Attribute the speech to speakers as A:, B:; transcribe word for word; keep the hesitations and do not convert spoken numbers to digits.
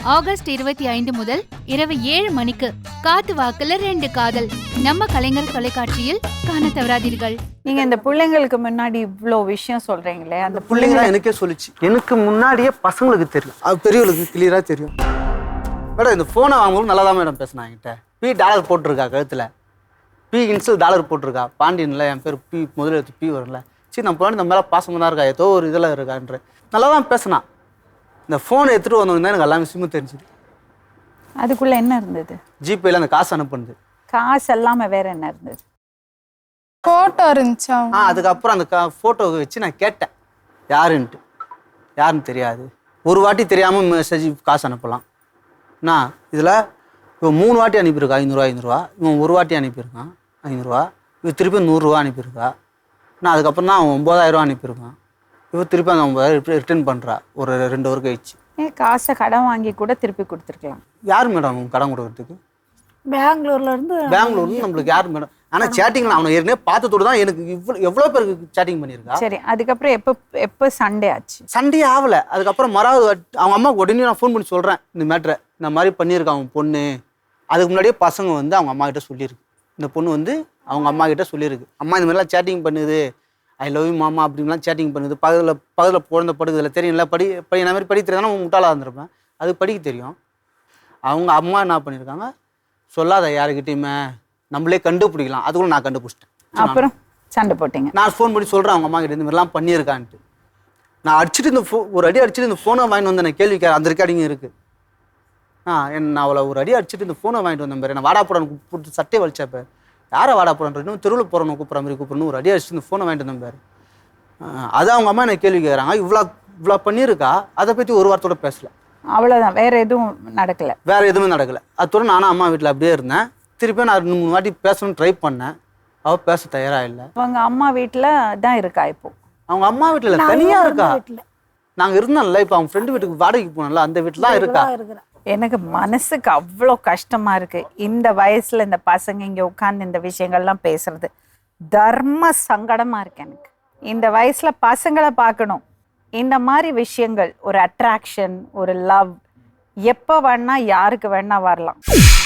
A: August இருபத்தி ஐந்து முதல் இரவு ஏழு மணிக்கு காத்து வாக்குல ரெண்டு காதல் நம்ம கலைஞர் தொலைக்காட்சியில் காண தவறாதீர்கள்.
B: நீங்க இந்த பிள்ளைங்களுக்கு முன்னாடி இவ்வளோ விஷயம் சொல்றீங்களே, அந்த
C: பிள்ளைங்க எனக்கே சொல்லிச்சு. எனக்கு முன்னாடியே பசங்களுக்கு தெரியும், அது பெரியவங்களுக்கு கிளியரா தெரியும். மேடம் இந்த ஃபோனை வாங்கும்போது நல்லா தான் மேடம் பேசினா என்கிட்ட. பி டாலர் போட்டிருக்கா கழுத்தில், பி இன்சில் டாலர் போட்டிருக்கா, பாண்டியனில் என் பேர் பி முதல்ல எடுத்து பி வரல. சரி நம்ம பிள்ளைங்க நம்ம மேலே பாசமாக தான் இருக்கா, ஏதோ ஒரு இதில் இருக்கான்ற நல்லா தான் பேசினான். இந்த ஃபோனை எடுத்துகிட்டு வந்தவங்க எனக்கு எல்லாமே விஷயமும் தெரிஞ்சுது.
B: அதுக்குள்ள என்ன இருந்தது?
C: ஜிபேல அந்த காசு அனுப்புனது.
B: காசு எல்லாமே வேற என்ன இருந்தது?
D: ஃபோட்டோ இருந்துச்சா?
C: ஆ அதுக்கப்புறம் அந்த கா ஃபோட்டோவை வச்சு நான் கேட்டேன் யாருன்ட்டு. யாருன்னு தெரியாது. ஒரு வாட்டி தெரியாமல் மெசேஜ் காசு அனுப்பலாம். நான் இதில் இவன் மூணு வாட்டி அனுப்பியிருக்கா ஐநூறுரூவா ஐநூறுரூவா, இவன் ஒரு வாட்டி அனுப்பியிருக்கான் ஐநூறுரூவா, இவன் திருப்பி நூறுரூவா அனுப்பியிருக்கா. நான் அதுக்கப்புறம் தான் அவன் ஒம்பதாயிரரூவா அனுப்பியிருக்கான். இவன் திருப்பி அந்த ஒம்பதாயிரம் ரிட்டர்ன் பண்ணுறா ஒரு ரெண்டு ஒரு கழிச்சு.
B: ஏன் காசை கடன் வாங்கி கூட திருப்பி கொடுத்துருக்கலாம்.
C: யார் மேடம் கடன் கொடுக்கறதுக்கு?
E: பெங்களூர்ல இருந்து
C: பெங்களூர்ல நம்மளுக்கு யார் மேடம்? ஆனால் சேட்டிங்கில் அவனை ஏற்கனவே பார்த்ததோடு தான் எனக்கு இவ்வளோ எவ்வளோ பேருக்கு சேட்டிங் பண்ணியிருக்கா.
B: சரி, அதுக்கப்புறம் எப்போ எப்போ சண்டே ஆச்சு?
C: சண்டே ஆகலை. அதுக்கப்புறம் மறாவது அவங்க அம்மா உடனே நான் ஃபோன் பண்ணி சொல்கிறேன் இந்த மேட்ரை, இந்த மாதிரி பண்ணியிருக்கான் அவன் பொண்ணு. அதுக்கு முன்னாடியே பசங்க வந்து அவங்க அம்மா கிட்ட சொல்லியிருக்கு, இந்த பொண்ணு வந்து அவங்க அம்மா கிட்ட சொல்லியிருக்கு, அம்மா இந்த மாதிரிலாம் சேட்டிங் பண்ணுது, ஐ லவ் யூ மாமா அப்படின்லாம் சேட்டிங் பண்ணுது, பக்கத்தில் பக்கத்தில் குழந்தை படுக்குதில்ல தெரியும்ல, படி படி இந்த மாதிரி படிக்க தெரியாதுன்னா முட்டாளாக இருந்திருப்பேன், அது படிக்க தெரியும். அவங்க அம்மா என்ன பண்ணியிருக்காங்க, சொல்லாத யாருக்கிட்டையுமே, நம்மளே கண்டுபிடிக்கலாம். அதுக்குள்ள நான் கண்டுபிடிச்சிட்டேன்.
B: அப்புறம் சண்டை போட்டீங்க.
C: நான் ஃபோன் பண்ணி சொல்கிறேன் அவங்க அம்மா கிட்ட இந்த மாதிரிலாம் பண்ணியிருக்கான்ட்டு. நான் அடிச்சுட்டு இந்த ஃபோ ஒரு அடி அடிச்சுட்டு இந்த ஃபோனை வாங்கிட்டு வந்தேன். நான் கேள்வி அந்த ரெக்கார்டிங் இருக்குது. ஆ என் நான் அவளை ஒரு அடி அடிச்சுட்டு இந்த ஃபோனை வாங்கிட்டு வந்தேன் பேர். நான் வாடாப்போடான்னு கூப்பிட்டு சட்டையை வலிச்சப்ப யாரை வாடாப்போடான்ற இன்னும் தெருவில் போகிறவனை கூப்பிட்ற மாதிரி கூப்பிட்றணும் ஒரு அடி அடிச்சுட்டு இந்த ஃபோனை வாங்கிட்டு வந்தேன் பேர். அது அவங்க அம்மா எனக்கு கேள்வி கேட்குறாங்க, இவ்வளோ இவ்வளோ பண்ணியிருக்கா, அதை பற்றி ஒரு வாரத்தோட பேசலை.
B: அவ்வளோதான், வேற எதுவும் நடக்கலை?
C: வேற எதுவுமே நடக்கலை. அதோட நானும் அம்மா வீட்டில் அப்படியே இருந்தேன். திருப்பி நான் ரெண்டு மூணு வாட்டி பேசணும்னு ட்ரை பண்ணேன், அவள் பேச தயாராக இல்லை.
B: அவங்க அம்மா வீட்டில் தான் இருக்கா இப்போ?
C: அவங்க அம்மா வீட்டில் தனியாக இருக்கா. நாங்கள் இருந்தோம்ல, இப்போ அவங்க ஃப்ரெண்டு வீட்டுக்கு வாடகைக்கு போனோம்ல, அந்த வீட்டில் தான் இருக்கா.
B: எனக்கு மனசுக்கு அவ்வளோ கஷ்டமா இருக்கு. இந்த வயசுல இந்த பசங்க இங்கே உட்காந்து இந்த விஷயங்கள்லாம் பேசுறது தர்ம சங்கடமா இருக்கு எனக்கு. இந்த வயசுல பசங்களை பார்க்கணும். இந்த மாதிரி விஷயங்கள், ஒரு அட்ராக்ஷன், ஒரு லவ் எப்போ வேணா யாருக்கு வேணா வரலாம்.